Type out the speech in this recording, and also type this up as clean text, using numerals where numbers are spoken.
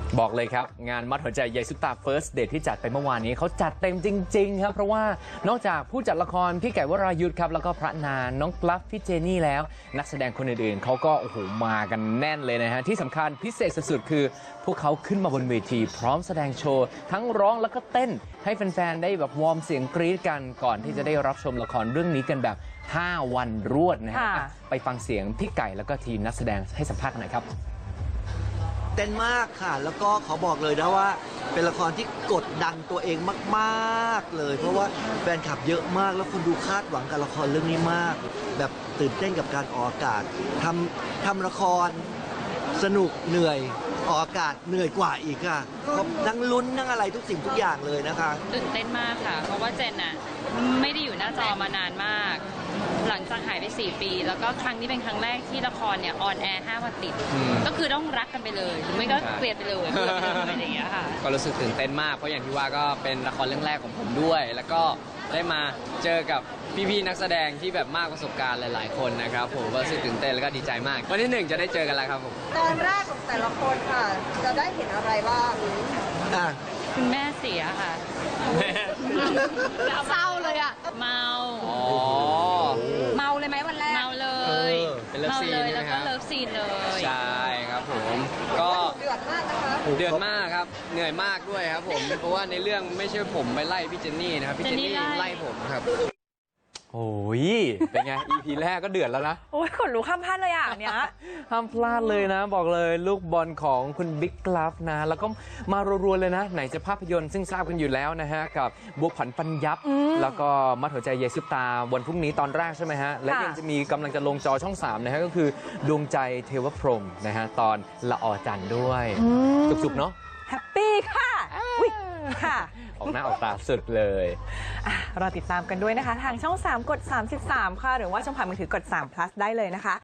บอกเลยครับงานมัดหัวใจยายซุปตา First Date ที่จัดไปเมื่อวานนี้เขาจัดเต็มจริงๆครับเพราะว่านอกจากผู้จัดละครพี่ไก่วรายุทธครับแล้วก็พระนางน้องกลัฟพี่เจนี่แล้วนักแสดงคนอื่นๆเขาก็โอ้โหมากันแน่นเลยนะฮะที่สำคัญพิเศษสุดๆคือพวกเขาขึ้นมาบนเวทีพร้อมแสดงโชว์ทั้งร้องแล้วก็เต้นให้แฟนๆได้แบบวอร์มเสียงกรี๊ดกันก่อนที่จะได้รับชมละครเรื่องนี้กันแบบ5 วันรวดนะฮะไปฟังเสียงพี่ไก่แล้วก็ทีมนักแสดงให้สัมภาษณ์กันหน่อยครับเต้นมากค่ะแล้วก็ขอบอกเลยนะว่าเป็นละครที่กดดันตัวเองมากๆเลยเพราะว่าแฟนคลับเยอะมากแล้วคนดูคาดหวังกับละครเรื่องนี้มากแบบตื่นเต้นกับการออกอากาศทำละครสนุกเหนื่อยออกอากาศเหนื่อยกว่าอีกค่ะเพราะนั่งลุ้นนั่งอะไรทุกสิ่งทุกอย่างเลยนะคะตื่นเต้นมากค่ะเพราะว่าเจนน่ะไม่ได้อยู่หน้าจอมานานมากหลังจากหายไป4 ปีแล้วก็ครั้งนี้เป็นครั้งแรกที่ละครเนี่ยออนแอร์5 วันติดก็คือต้องรักกันไปเลยหรือไม่ก็เกลียดไปเลยอะไรอย่างเงี้ยค่ะก็รู้สึกตื่นเต้นมากเพราะอย่างที่ว่าก็เป็นละครเรื่องแรกของผมด้วย แล้วก็ได้มาเจอกับพี่ๆนักแสดงที่แบบมากประสบการณ์หลายๆคนนะครับผมก็รู้สึกตื่นเต้นแล้วก็ดีใจมากวันที่1จะได้เจอกันแล้วครับผมตอนแรกของแต่ละคนค่ะจะได้เห็นอะไรบ้างคุณแม่เสียค่ะเศร้าเลยอ่ะเมาเมาเลยไหมวันแรกเมาเลยเป็นเลิฟซีนแล้วก็เลิฟซีนเลยใช่ครับผมก็เดือดมากนะคะเดือดมากครับเหนื่อยมากด้วยครับผมเพราะว่าในเรื่องไม่ใช่ผมไปไล่พี่เจนนี่นะครับพี่เจนนี่ไล่ผมครับโอ้ยเป็นไง EP แรกก็เดือดแล้วนะโอ้ยขนลุกข้ามพลาดเลยอ่ะเนี้ยห้ามพลาดเลยนะบอกเลยลูกบอลของคุณบิ๊กกลัฟนะแล้วก็มารัวๆเลยนะไหนจะภาพยนตร์ซึ่งทราบกันอยู่แล้วนะฮะกับบัวผันปัญยับแล้วก็มัดหัวใจยายซุปตาวันพรุ่งนี้ตอนแรกใช่ไหมฮะและยังจะมีกำลังจะลงจอช่อง3นะฮะก็คือดวงใจเทวพรหมนะฮะตอนละออจันทร์ด้วยสุกๆเนาะแฮปปี้ค่ะค่ะออกหน้าออกตาสุดเลยรอติดตามกันด้วยนะคะทางช่อง3กด33ค่ะหรือว่าช่องผ่านมือถือกด3 plus ได้เลยนะคะ